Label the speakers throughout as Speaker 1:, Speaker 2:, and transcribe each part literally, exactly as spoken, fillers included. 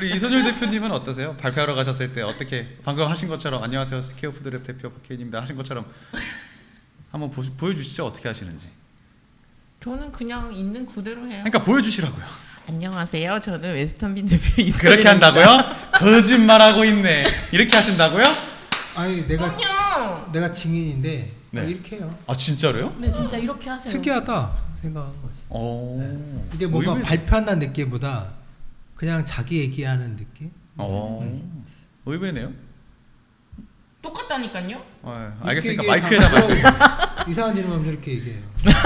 Speaker 1: 우리 이선율 대표님은 어떠세요? 발표하러 가셨을 때 어떻게 방금 하신 것처럼 안녕하세요 스퀘어푸드랩 대표 박혜인입니다 하신 것처럼 한번 보, 보여주시죠. 어떻게 하시는지.
Speaker 2: 저는 그냥 있는 그대로 해요.
Speaker 1: 그러니까 보여주시라고요.
Speaker 2: 안녕하세요. 저는 웨스턴빈 대표 이선율입니다.
Speaker 1: 그렇게 한다고요? 거짓말하고 있네. 이렇게 하신다고요?
Speaker 3: 아니 내가
Speaker 2: 그럼요.
Speaker 3: 내가 증인인데
Speaker 1: 네.
Speaker 3: 어, 이렇게 해요.
Speaker 1: 아 진짜로요?
Speaker 4: 네, 진짜 이렇게 하세요.
Speaker 3: 특이하다 생각한 거지.
Speaker 1: 오.
Speaker 3: 네. 이게 뭔가
Speaker 1: 의외...
Speaker 3: 발표한다는 느낌보다 그냥 자기 얘기하는 느낌.
Speaker 1: 오. 의외네요.
Speaker 2: 똑같다니까요.
Speaker 1: 어, 알겠으니까
Speaker 3: 이렇게
Speaker 1: 마이크에다 말씀.
Speaker 3: 이상한 이름 하면 이렇게 얘기해요.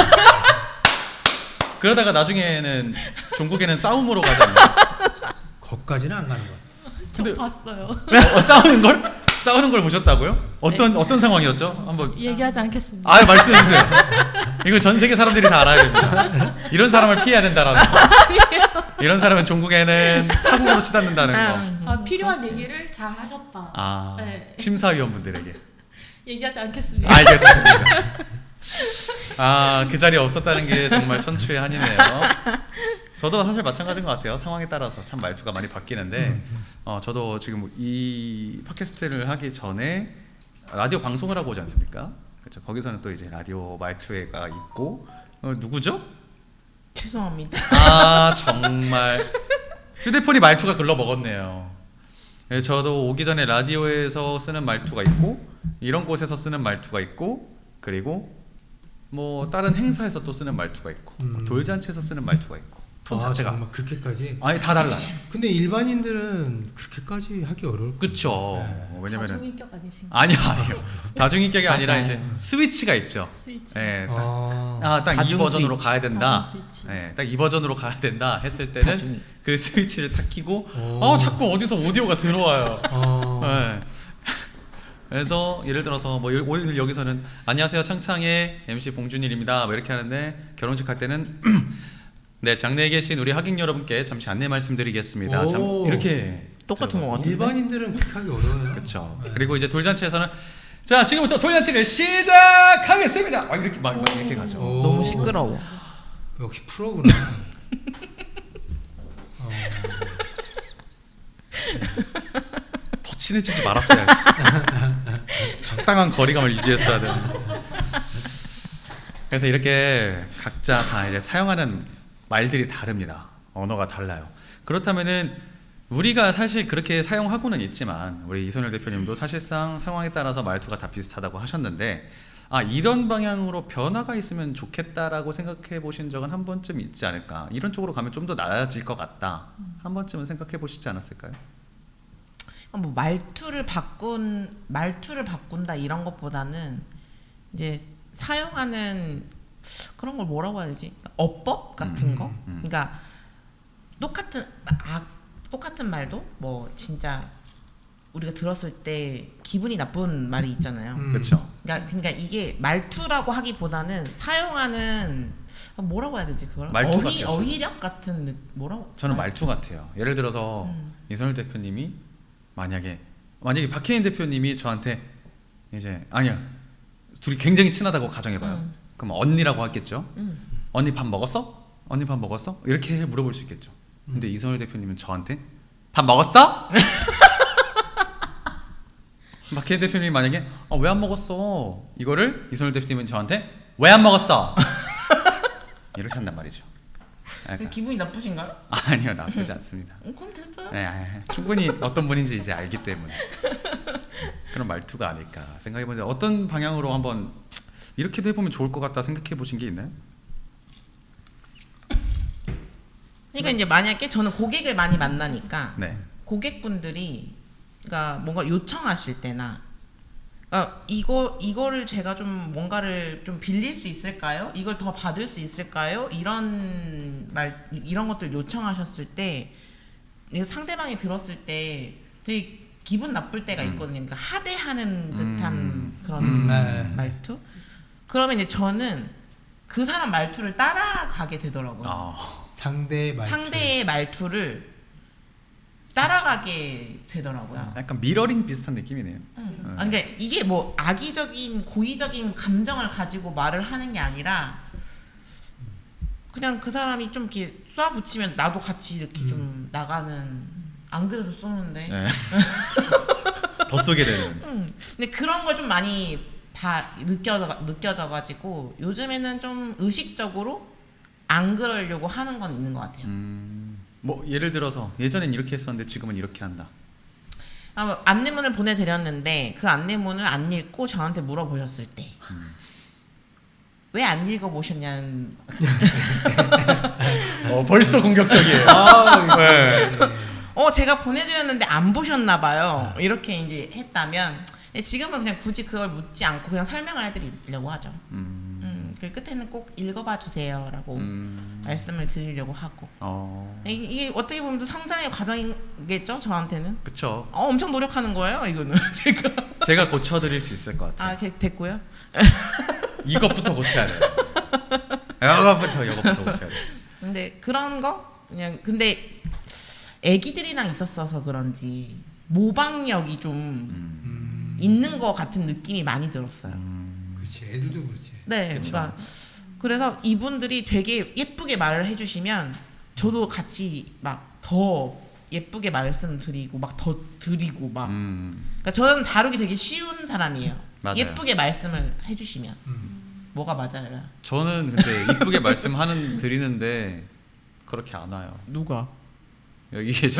Speaker 1: 그러다가 나중에는 종국에는 싸움으로 가지 않나요?
Speaker 3: 거기까지는 안 가는 거야.
Speaker 4: 저
Speaker 1: 근데-
Speaker 4: 봤어요.
Speaker 1: 어, 싸우는 걸? 싸우는 걸 보셨다고요? 어떤
Speaker 4: 네.
Speaker 1: 어떤 상황이었죠? 한번
Speaker 4: 얘기하지 않겠습니다.
Speaker 1: 아 말씀해 주세요. 이거 전 세계 사람들이 다 알아야 됩니다. 이런 사람을 피해야 된다라는 거. 이런 사람은 종국에는 타국으로 치닫는다는 거.
Speaker 4: 아, 필요한 얘기를 잘 하셨다.
Speaker 1: 아
Speaker 4: 네.
Speaker 1: 심사위원분들에게.
Speaker 4: 얘기하지 않겠습니다.
Speaker 1: 알겠습니다. 아 그 자리에 없었다는 게 정말 천추의 한이네요. 저도 사실 마찬가지인 것 같아요. 상황에 따라서 참 말투가 많이 바뀌는데 어, 저도 지금 이 팟캐스트를 하기 전에 라디오 방송을 하고 오지 않습니까? 그렇죠. 거기서는 또 이제 라디오 말투가 있고 어, 누구죠?
Speaker 2: 죄송합니다.
Speaker 1: 아 정말 휴대폰이 말투가 글러 먹었네요. 예, 저도 오기 전에 라디오에서 쓰는 말투가 있고 이런 곳에서 쓰는 말투가 있고 그리고 뭐 다른 행사에서 또 쓰는 말투가 있고 뭐
Speaker 3: 음.
Speaker 1: 돌잔치에서 쓰는 말투가 있고 톤
Speaker 3: 아,
Speaker 1: 자체가
Speaker 3: 정말 그렇게까지.
Speaker 1: 아니 다 달라요.
Speaker 3: 근데 일반인들은 그렇게까지 하기 어려울.
Speaker 1: 그쵸.
Speaker 3: 네.
Speaker 1: 왜냐면은
Speaker 4: 다중인격 아니신가요?
Speaker 1: 아니요 아니요 다중인격이 아니라
Speaker 2: 맞아요.
Speaker 1: 이제 스위치가 있죠.
Speaker 4: 스위치.
Speaker 1: 예, 딱,
Speaker 3: 아,
Speaker 1: 아, 딱 이
Speaker 2: 다중
Speaker 1: 버전으로
Speaker 2: 스위치.
Speaker 1: 가야 된다.
Speaker 4: 다중 스위치.
Speaker 1: 예, 딱 이 버전으로 가야 된다 했을 때는
Speaker 2: 다중.
Speaker 1: 그 스위치를 탁 키고
Speaker 3: 오.
Speaker 1: 아 자꾸 어디서 오디오가 들어와요.
Speaker 3: 어.
Speaker 1: 예. 그래서 예를 들어서 뭐 여- 오늘 여기서는 안녕하세요 창창의 엠씨 봉준일입니다. 뭐 이렇게 하는데 결혼식 할 때는 네 장내에 계신 우리 하객 여러분께 잠시 안내 말씀드리겠습니다. 참
Speaker 3: 오.
Speaker 1: 이렇게
Speaker 2: 똑같은 것 같은데.
Speaker 3: 일반인들은 그렇게 하기 어려워요.
Speaker 1: 그렇죠.
Speaker 3: 네.
Speaker 1: 그리고 이제 돌잔치에서는 자 지금부터 돌잔치를 시작하겠습니다. 막 이렇게 막, 막 이렇게 가죠.
Speaker 3: 오.
Speaker 2: 너무 시끄러워.
Speaker 3: 역시 프로구나. 어.
Speaker 1: 더 친해지지 말았어야지. 적당한 거리감을 유지했어야 되는데. 그래서 이렇게 각자 다 이제 사용하는 말들이 다릅니다. 언어가 달라요. 그렇다면은 우리가 사실 그렇게 사용하고는 있지만 우리 이선율 대표님도 사실상 상황에 따라서 말투가 다 비슷하다고 하셨는데 아 이런 방향으로 변화가 있으면 좋겠다라고 생각해 보신 적은 한 번쯤 있지 않을까? 이런 쪽으로 가면 좀 더 나아질 것 같다. 한 번쯤은 생각해 보시지 않았을까요?
Speaker 2: 뭐 말투를 바꾼 말투를 바꾼다 이런 것보다는 이제 사용하는 그런 걸 뭐라고 해야 되지? 어법 같은
Speaker 1: 음,
Speaker 2: 거.
Speaker 1: 음.
Speaker 2: 그러니까 똑같은 아 똑같은 말도 뭐 진짜 우리가 들었을 때 기분이 나쁜 말이 있잖아요.
Speaker 3: 음.
Speaker 1: 그렇죠.
Speaker 2: 그러니까 그러니까 이게 말투라고 하기보다는 사용하는 뭐라고 해야 되지 그걸?
Speaker 1: 말투
Speaker 2: 어휘
Speaker 1: 같아요,
Speaker 2: 어휘력 같은 느- 뭐라고?
Speaker 1: 저는 말투 같아요. 예를 들어서
Speaker 2: 음.
Speaker 1: 이선율 대표님이 만약에 만약에 박혜인 대표님이 저한테 이제 아니야 둘이 굉장히 친하다고 가정해봐요.
Speaker 2: 음.
Speaker 1: 그럼 언니라고 하겠죠.
Speaker 2: 음.
Speaker 1: 언니 밥 먹었어? 언니 밥 먹었어? 이렇게 물어볼 수 있겠죠.
Speaker 2: 음.
Speaker 1: 근데 이선율 대표님은 저한테 밥 먹었어? 박혜인 대표님이 만약에 어, 왜 안 먹었어? 이거를 이선율 대표님은 저한테 왜 안 먹었어? 이렇게 한단 말이죠. 약간,
Speaker 2: 기분이 나쁘신가요?
Speaker 1: 아니요 나쁘지 않습니다.
Speaker 2: 어, 그럼 됐어요.
Speaker 1: 네, 아, 충분히 어떤 분인지 이제 알기 때문에 그런 말투가 아닐까 생각해보는데 어떤 방향으로 한번 이렇게도 해보면 좋을 것 같다 생각해 보신 게 있나요?
Speaker 2: 그러니까 이제 만약에 저는 고객을 많이 만나니까
Speaker 1: 네.
Speaker 2: 고객분들이 그러니까 뭔가 요청하실 때나 그러니까 이거 이거를 제가 좀 뭔가를 좀 빌릴 수 있을까요? 이걸 더 받을 수 있을까요? 이런 말 이런 것들 요청하셨을 때 이거 상대방이 들었을 때 되게 기분 나쁠 때가
Speaker 1: 음.
Speaker 2: 있거든요. 그러니까 하대하는 듯한
Speaker 1: 음.
Speaker 2: 그런
Speaker 3: 음, 네.
Speaker 2: 말투. 그러면 이제 저는 그 사람 말투를 따라가게 되더라고요.
Speaker 1: 아,
Speaker 3: 상대의 말투.
Speaker 2: 상대의 말투를 따라가게 되더라고요.
Speaker 1: 약간 미러링 비슷한 느낌이네요.
Speaker 2: 음. 아, 그러니까 이게 뭐 악의적인 고의적인 감정을 가지고 말을 하는 게 아니라 그냥 그 사람이 좀 이렇게 쏴붙이면 나도 같이 이렇게
Speaker 3: 음.
Speaker 2: 좀 나가는 안 그래도 쏘는데.
Speaker 1: 네. 더 쏘게 되는.
Speaker 2: 음, 근데 그런 걸 좀 많이 봐 느껴져 느껴져가지고 요즘에는 좀 의식적으로 안 그러려고 하는 건 있는 것 같아요.
Speaker 1: 음, 뭐 예를 들어서 예전엔 이렇게 했었는데 지금은 이렇게 한다.
Speaker 2: 아, 뭐 안내문을 보내드렸는데 그 안내문을 안 읽고 저한테 물어보셨을 때 왜 안 읽어보셨냐는.
Speaker 1: 어, 벌써 공격적이에요.
Speaker 3: 아,
Speaker 1: 네.
Speaker 2: 어 제가 보내드렸는데 안 보셨나 봐요. 이렇게 이제 했다면 지금은 그냥 굳이 그걸 묻지 않고 그냥 설명을 해드리려고 하죠.
Speaker 1: 음,
Speaker 2: 음, 그 끝에는 꼭 읽어봐 주세요라고
Speaker 1: 음,
Speaker 2: 말씀을 드리려고 하고.
Speaker 1: 어,
Speaker 2: 이- 이게 어떻게 보면 또 성장의 과정이겠죠 저한테는.
Speaker 1: 그쵸.
Speaker 2: 어, 엄청 노력하는 거예요 이거는 제가.
Speaker 1: 제가 고쳐드릴 수 있을 것 같아요.
Speaker 2: 아 게- 됐고요.
Speaker 1: 이것부터 고쳐야 돼요. 이것부터 이것부터 고쳐야 돼요.
Speaker 2: 근데 그런 거 그냥 근데 애기들이랑 있었어서 그런지 모방력이 좀
Speaker 1: 음,
Speaker 3: 음,
Speaker 2: 있는 것 같은 느낌이 많이 들었어요.
Speaker 1: 음,
Speaker 3: 그렇지. 애들도 그렇지.
Speaker 2: 네,
Speaker 1: 그쵸.
Speaker 2: 그러니까 그래서 이분들이 되게 예쁘게 말을 해주시면 저도 같이 막 더 예쁘게 말씀드리고 막 더 드리고 막.
Speaker 1: 음,
Speaker 2: 그러니까 저는 다루기 되게 쉬운 사람이에요.
Speaker 1: 맞아요.
Speaker 2: 예쁘게 말씀을 해주시면
Speaker 3: 음.
Speaker 2: 뭐가 맞아요?
Speaker 1: 저는 근데 이쁘게 말씀하는 드리는데 그렇게 안 와요.
Speaker 2: 누가?
Speaker 1: 여기 계신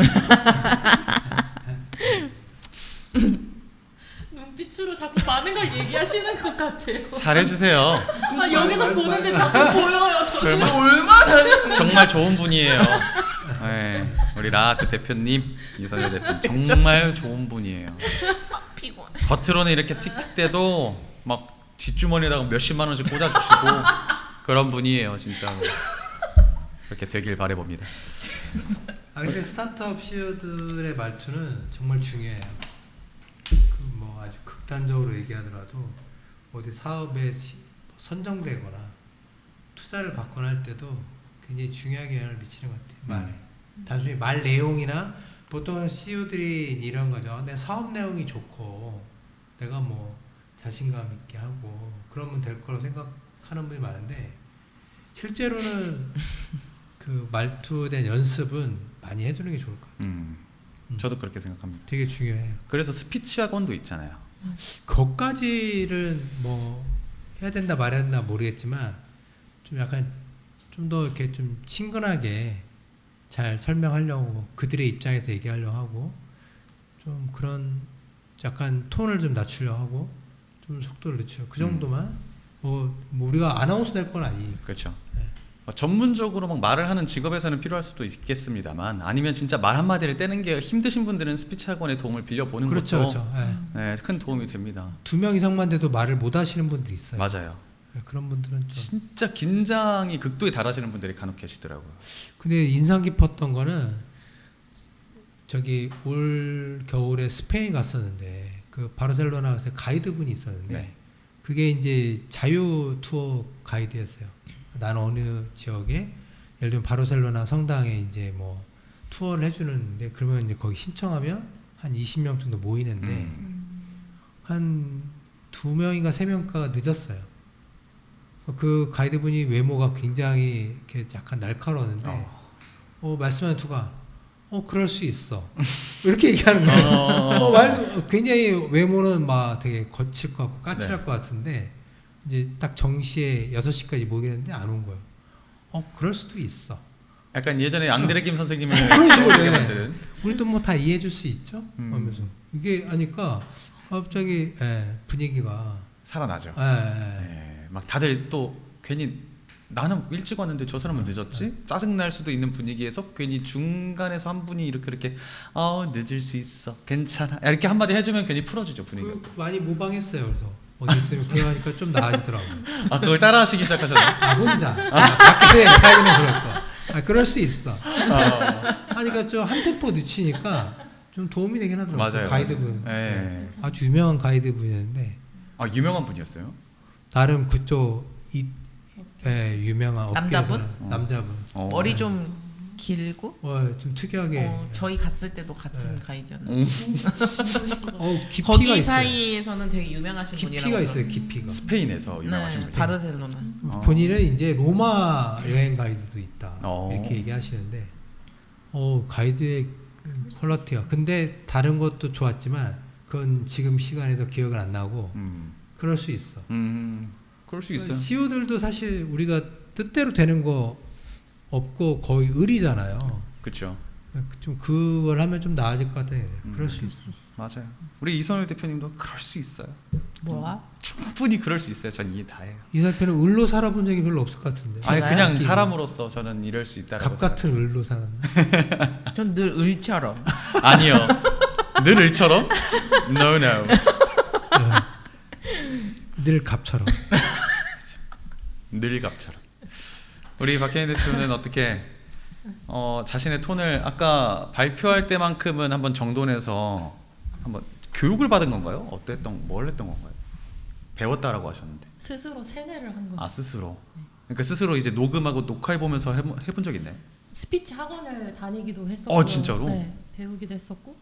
Speaker 4: 눈빛으로 자꾸 많은 걸 얘기하시는 것 같아요.
Speaker 1: 잘해주세요.
Speaker 4: 아 여기서 보는데 자꾸 보여요. 저는.
Speaker 1: 얼마-
Speaker 2: 얼마나 잘.
Speaker 1: 정말 좋은 분이에요. 네, 우리 라아트 대표님, 이선일 대표님 정말 좋은 분이에요.
Speaker 2: 피곤해.
Speaker 1: 겉으로는 이렇게 틱틱대도 막 뒷주머니에다가 몇십만 원씩 꽂아주시고 그런 분이에요, 진짜로. 그렇게 되길 바라봅니다.
Speaker 3: 아 근데 스타트업 씨이오들의 말투는 정말 중요해요. 그 뭐 아주 극단적으로 얘기하더라도 어디 사업에 시- 선정되거나 투자를 받거나 할 때도 굉장히 중요하게 영향을 미치는 것 같아요. 말에. 단순히 말 내용이나 보통 씨이오들이 이런 거죠. 내 사업 내용이 좋고 내가 뭐 자신감 있게 하고 그러면 될 거라고 생각하는 분이 많은데 실제로는 그 말투에 대한 연습은 많이 해두는 게 좋을 것 같아요.
Speaker 1: 음,
Speaker 3: 음.
Speaker 1: 저도 그렇게 생각합니다.
Speaker 3: 되게 중요해요.
Speaker 1: 그래서 스피치 학원도 있잖아요.
Speaker 3: 그것까지를 뭐 해야 된다 말해야 된다 모르겠지만 좀 약간 좀 더 이렇게 좀 친근하게 잘 설명하려고 그들의 입장에서 얘기하려고 하고 좀 그런 약간 톤을 좀 낮추려고 하고 좀 속도를 늦추려 그 정도만 뭐, 뭐 우리가 아나운서 될 건 아니니까.
Speaker 1: 그렇죠.
Speaker 3: 네.
Speaker 1: 어, 전문적으로 막 말을 하는 직업에서는 필요할 수도 있겠습니다만 아니면 진짜 말 한마디를 떼는 게 힘드신 분들은 스피치 학원의 도움을 빌려보는
Speaker 3: 그렇죠,
Speaker 1: 것도
Speaker 3: 그렇죠. 예.
Speaker 1: 네, 큰 도움이 됩니다.
Speaker 3: 두 명 이상만 돼도 말을 못 하시는 분들이 있어요.
Speaker 1: 맞아요.
Speaker 3: 예, 그런 분들은 좀.
Speaker 1: 진짜 긴장이 극도에 달하시는 분들이 간혹 계시더라고요.
Speaker 3: 근데 인상 깊었던 거는 저기 올 겨울에 스페인 갔었는데 그 바르셀로나에서 가이드분이 있었는데
Speaker 1: 네.
Speaker 3: 그게 이제 자유 투어 가이드였어요. 나는 어느 지역에 예를 들면 바르셀로나 성당에 이제 뭐 투어를 해주는데 그러면 이제 거기 신청하면 한 이십 명 정도 모이는데
Speaker 1: 음.
Speaker 3: 한 두 명인가 세 명가가 늦었어요. 그 가이드분이 외모가 굉장히 이렇게 약간 날카로웠는데
Speaker 1: 어.
Speaker 3: 어, 말씀하는 투가 어 그럴 수 있어 이렇게 얘기하는 거예요.
Speaker 1: 어.
Speaker 3: 어, 말도 굉장히 외모는 막 되게 거칠 것 같고 까칠할
Speaker 1: 네.
Speaker 3: 것 같은데 이제 딱 정시에 여섯 시까지 모이겠는데 안 온 거예요. 어 그럴 수도 있어.
Speaker 1: 약간 예전에 앙드레 김 선생님을
Speaker 3: 그런 식으로
Speaker 1: 떠올리게
Speaker 3: 해.
Speaker 1: 만드는.
Speaker 3: 우리도 뭐 다 이해해 줄 수 있죠?
Speaker 1: 음.
Speaker 3: 하면서 이게 하니까 갑자기 예, 분위기가
Speaker 1: 살아나죠.
Speaker 3: 예, 예.
Speaker 1: 네, 막 다들 또 괜히 나는 일찍 왔는데 저 사람은 늦었지? 짜증 날 수도 있는 분위기에서 괜히 중간에서 한 분이 이렇게 이렇게 어 늦을 수 있어 괜찮아 이렇게 한마디 해주면 괜히 풀어주죠 분위기.
Speaker 3: 그 많이 모방했어요. 그래서 어디 있으면 그거 하니까 좀 나아지더라고요.
Speaker 1: 아 그걸 따라하시기 시작하셨나요?
Speaker 3: 아 혼자 아, 밖에 가기는 그렇고 아 그럴 수 있어.
Speaker 1: 어,
Speaker 3: 하니까 좀 한 템포 늦추니까 좀 도움이 되긴 하더라고요.
Speaker 1: 맞아요.
Speaker 3: 가이드분.
Speaker 1: 네.
Speaker 3: 네. 아주 유명한 가이드분이었는데
Speaker 1: 아 유명한 분이었어요?
Speaker 3: 나름 그쪽 이 예, 유명한
Speaker 2: 남자분?
Speaker 3: 업계에서는
Speaker 1: 어.
Speaker 3: 남자분.
Speaker 1: 어.
Speaker 2: 머리 좀 길고
Speaker 3: 어, 좀 특이하게.
Speaker 2: 어, 저희 갔을 때도 같은
Speaker 3: 네.
Speaker 2: 가이드였는데
Speaker 1: 음,
Speaker 3: 어, 깊이가
Speaker 2: 거기
Speaker 3: 있어요.
Speaker 2: 사이에서는 되게 유명하신 분이라고
Speaker 3: 깊이가 있어요.
Speaker 2: 들었어요.
Speaker 3: 깊이가.
Speaker 1: 스페인에서 유명하신
Speaker 2: 네,
Speaker 1: 분이.
Speaker 2: 바르셀로나.
Speaker 1: 어.
Speaker 3: 본인은 이제 로마 여행 가이드도 있다
Speaker 1: 어.
Speaker 3: 이렇게 얘기하시는데 어 가이드의 퀄러티가. 근데 다른 것도 좋았지만 그건 지금 시간에도 기억은 안 나고
Speaker 1: 음,
Speaker 3: 그럴 수 있어.
Speaker 1: 음, 그럴 수 있어요.
Speaker 3: 씨오들도 사실 우리가 뜻대로 되는 거 없고 거의 을이잖아요.
Speaker 1: 그렇죠.
Speaker 3: 좀 그걸 하면 좀 나아질 것 같아.
Speaker 1: 음.
Speaker 3: 그럴 수
Speaker 4: 그럴
Speaker 3: 있어.
Speaker 4: 수 있어.
Speaker 1: 맞아요. 우리 이선일 대표님도 그럴 수 있어요.
Speaker 2: 뭐야?
Speaker 1: 충분히 그럴 수 있어요. 전 이해 다 해요.
Speaker 3: 이 사편은 을로 살아본 적이 별로 없을 것 같은데.
Speaker 1: 아니
Speaker 2: 제가요?
Speaker 1: 그냥
Speaker 3: 느낌이.
Speaker 1: 사람으로서 저는 이럴 수 있다라고
Speaker 3: 갑 같은 을로 살았나?
Speaker 2: 전 늘 을처럼.
Speaker 1: 생각- 아니요. 늘 일처럼? No no.
Speaker 3: 늘 갑처럼.
Speaker 1: 늘 갑처럼. 우리 박혜인 대표는 어떻게 어, 자신의 톤을 아까 발표할 때만큼은 한번 정돈해서 한번 교육을 받은 건가요? 어땠던 뭘 했던 건가요? 배웠다라고 하셨는데.
Speaker 4: 스스로 세뇌를 한 거죠.
Speaker 1: 아 스스로. 그러니까 스스로 이제 녹음하고 녹화해 보면서 해본, 해본 적 있나요?
Speaker 4: 스피치 학원을 다니기도 했었고.
Speaker 1: 어, 진짜로?
Speaker 4: 네, 배우기도 했었고.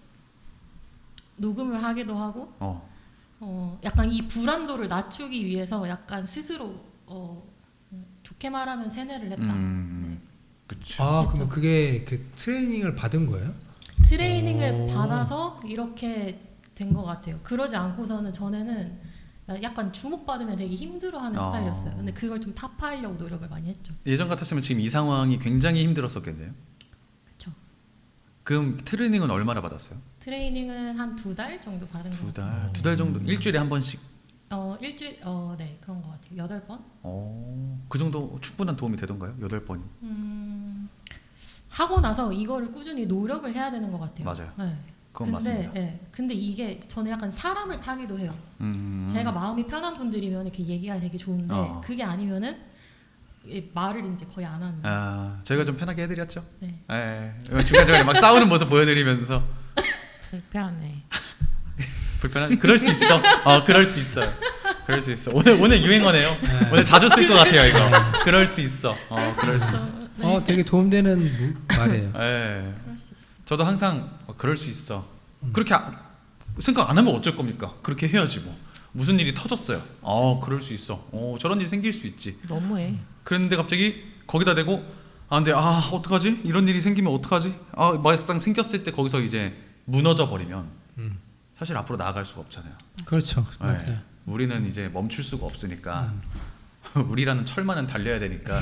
Speaker 4: 녹음을 하기도 하고.
Speaker 1: 어.
Speaker 4: 어, 약간 이 불안도를 낮추기 위해서 약간 스스로 어, 좋게 말하면 세뇌를 했다.
Speaker 1: 음. 그렇죠.
Speaker 3: 아 그러면 그게 그 트레이닝을 받은 거예요?
Speaker 4: 트레이닝을
Speaker 3: 오.
Speaker 4: 받아서 이렇게 된 것 같아요. 그러지 않고서는 전에는 약간 주목받으면 되게 힘들어하는
Speaker 1: 아.
Speaker 4: 스타일이었어요. 근데 그걸 좀 타파하려고 노력을 많이 했죠.
Speaker 1: 예전 같았으면 지금 이 상황이 굉장히 힘들었었겠네요.
Speaker 4: 그쵸.
Speaker 1: 그럼 트레이닝은 얼마나 받았어요?
Speaker 4: 트레이닝은 한 두 달 정도 받은 것
Speaker 1: 두
Speaker 4: 같아요.
Speaker 1: 달. 두 달 정도. 일주일에 한 번씩.
Speaker 4: 어 일주일 어네 그런 것 같아요. 여덟 번.
Speaker 1: 어. 그 정도 충분한 도움이 되던가요? 여덟 번이.
Speaker 4: 음 하고 나서 이거를 꾸준히 노력을 해야 되는 것 같아요.
Speaker 1: 맞아요.
Speaker 4: 네.
Speaker 1: 그건
Speaker 4: 근데
Speaker 1: 맞습니다.
Speaker 4: 예, 근데 이게 저는 약간 사람을 타기도 해요.
Speaker 1: 음.
Speaker 4: 제가 마음이 편한 분들이면 이렇게 얘기가 되게 좋은데
Speaker 1: 어.
Speaker 4: 그게 아니면은 이 말을 이제 거의 안 하는. 거예요.
Speaker 1: 아, 저희가 좀 편하게 해드렸죠.
Speaker 4: 네.
Speaker 1: 예. 중간 중간에 막 싸우는 모습 보여드리면서
Speaker 2: 불편해.
Speaker 1: 불편한. 그럴 수 있어. 어, 그럴 수 있어요. 그럴 수 있어. 오늘 오늘 유행어네요.
Speaker 3: 네.
Speaker 1: 오늘 자주 쓸 것 같아요 이거. 그럴 수 있어. 어, 그럴 수 있어.
Speaker 4: 네.
Speaker 3: 어 되게 도움되는 무- 말이에요.
Speaker 1: 예.
Speaker 4: 그럴 수 있어.
Speaker 1: 저도 항상 어, 그럴 수 있어.
Speaker 3: 음.
Speaker 1: 그렇게 아, 생각 안 하면 어쩔 겁니까? 그렇게 해야지 뭐. 무슨 일이 터졌어요. 어, 그럴 수 있어. 어, 저런 일이 생길 수 있지.
Speaker 2: 너무해.
Speaker 1: 그랬는데 갑자기 거기다 대고 아 근데 아 어떡하지? 이런 일이 생기면 어떡하지? 아 막상 생겼을 때 거기서 이제 무너져 버리면
Speaker 3: 음.
Speaker 1: 사실 앞으로 나아갈 수가 없잖아요.
Speaker 3: 그렇죠.
Speaker 1: 네.
Speaker 3: 맞아요.
Speaker 1: 우리는 이제 멈출 수가 없으니까
Speaker 3: 음.
Speaker 1: 우리라는 철만은 달려야 되니까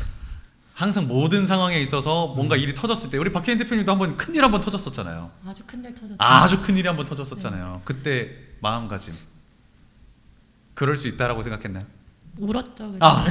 Speaker 1: 항상 모든 상황에 있어서 뭔가 일이 터졌을 때 우리 박혜인 대표님도 한번 큰일 한번 터졌었잖아요.
Speaker 4: 아주 큰일 터졌죠.
Speaker 1: 아주 큰일이 한번 터졌었잖아요. 그때 마음가짐 그럴 수 있다라고 생각했나요?
Speaker 4: 울었죠. 그냥.
Speaker 1: 아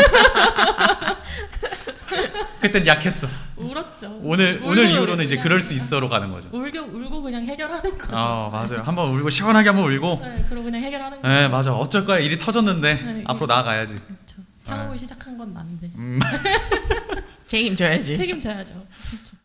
Speaker 1: 그땐 약했어.
Speaker 4: 울었죠.
Speaker 1: 오늘
Speaker 4: 울고
Speaker 1: 오늘 이후로는 이제
Speaker 4: 그냥
Speaker 1: 그럴 수 있어로 가는 거죠.
Speaker 4: 울고 울고 그냥 해결하는 거죠.
Speaker 1: 아 맞아요. 한번 울고 시원하게 한번 울고.
Speaker 4: 네, 그러고 그냥 해결하는 거죠.
Speaker 1: 네 맞아. 어쩔 거야 일이 터졌는데
Speaker 4: 네,
Speaker 1: 앞으로
Speaker 4: 그-
Speaker 1: 나아가야지.
Speaker 4: 그렇죠. 창업을
Speaker 1: 네.
Speaker 4: 시작한 건 난데
Speaker 1: 음.
Speaker 2: 책임져야지.
Speaker 4: 책임져야죠. 그렇죠.